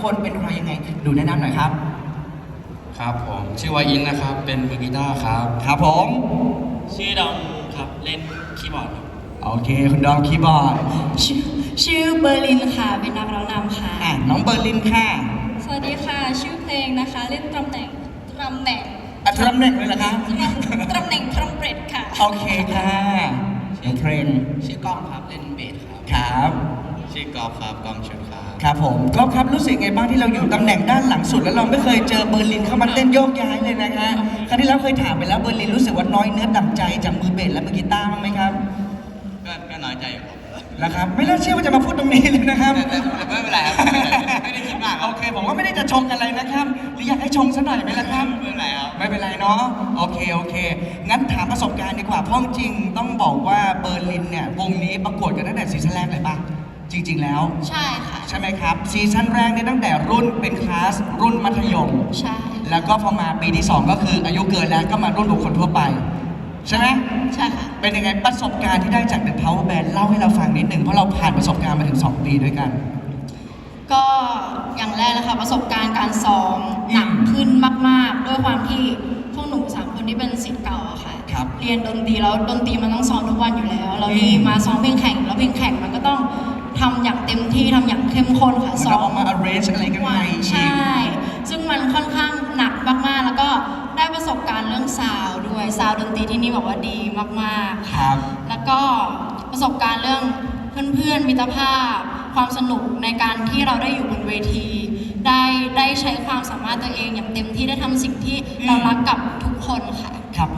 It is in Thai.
คนเป็นใครยังไงดูแนะนำหน่อยครับครับผมชื่อว่าอินนะครับเป็นมือกีตาร์ครับครับผมชื่อดอมครับเล่นคีย์บอร์ดครับโอเคคุณดอมคีย์บอร์ดชื่อเบอร์ลินค่ะเป็นนักร้องนำค่ะน้องเบอร์ลินค่ะสวัสดีค่ะชื่อเพลงนะคะเล่นตำแหน่งตำแหน่งเลยเหรอคะตำแหน่งทรัมเป็ตค่ะโอเคค่ะเพลงชื่อกล้องครับเล่นเบสครับครับชื่อกอล์ฟครับกองชุดครับครับผมก็ครับรู้สึกไงบ้างที่เราอยู่ตำแหน่งด้านหลังสุดแล้วเราไม่เคยเจอเบอร์ลินเข้ามาเต้นโยกย้ายเลยนะคะครั้งที่แล้วเคยถามไปแล้วเบอร์ลินรู้สึกว่าน้อยเนื้อต่ำใจจากมือเบสและมือกีตาร์บ้างไหมครับก็น้อยใจอยู่ครับนะครับไม่น่าเชื่อว่าจะมาพูดตรงนี้เลยนะครับแต่ไม่เป็นไรครับไม่ได้คิดมากโอเคผมว่าไม่ได้จะชงอะไรนะครับหรืออยากให้ชงซะหน่อยไหมล่ะครับไม่เป็นไรครับไม่เป็นไรเนาะโอเคงั้นถามประสบการณ์ดีกว่าเพราะจริงต้องบอกว่าเบอร์ลินเนี่ยวงนี้ประกวดกันตั้งแต่ซีซั่นแรกเลยป่ะจริงๆแล้วใช่ค่ะใช่ไหมครับซีซั่นแรกเนี่ยตั้งแต่รุ่นเป็นคลาสรุ่นมัธยมใช่แล้วก็พอมาปีที่2ก็คืออายุเกินแล้วก็มารุ่นบุคคลทั่วไปใช่ไหมใช่ค่ะเป็นยังไงประสบการณ์ที่ได้จาก The Power Band เล่าให้เราฟังนิดหนึ่งเพราะเราผ่านประสบการณ์มาถึง2 ปีด้วยกันก็อย่างแรกเลยค่ะประสบการณ์การซ้อมหนักขึ้นมากๆด้วยความที่พวกหนู3 คนที่เป็นศิษย์เก่าอะค่ะเรียนดนตรีแล้วดนตรีมันต้องซ้อมทุกวันอยู่แล้วเรานี่มาซ้อมเพลงแข่งแล้วเพลงแข่งมันก็ต้องทำอย่างเต็มที่ทำอย่างเข้มข้นค่ะซ้อมมา arrange อะไรกันใหม่ใช่ซึ่งมันค่อนข้างหนักมากๆแล้วก็ได้ประสบการณ์เรื่องซาวด์ด้วยซาวด์ดนตรีที่นี่บอกว่าดีมากๆครับแล้วก็ประสบการณ์เรื่องเพื่อนๆมิตรภาพความสนุกในการที่เราได้อยู่บนเวทีได้ใช้ความสามารถตัวเองอย่างเต็มที่ได้ทำสิ่งที่เรารักกับทุกคนค่ะ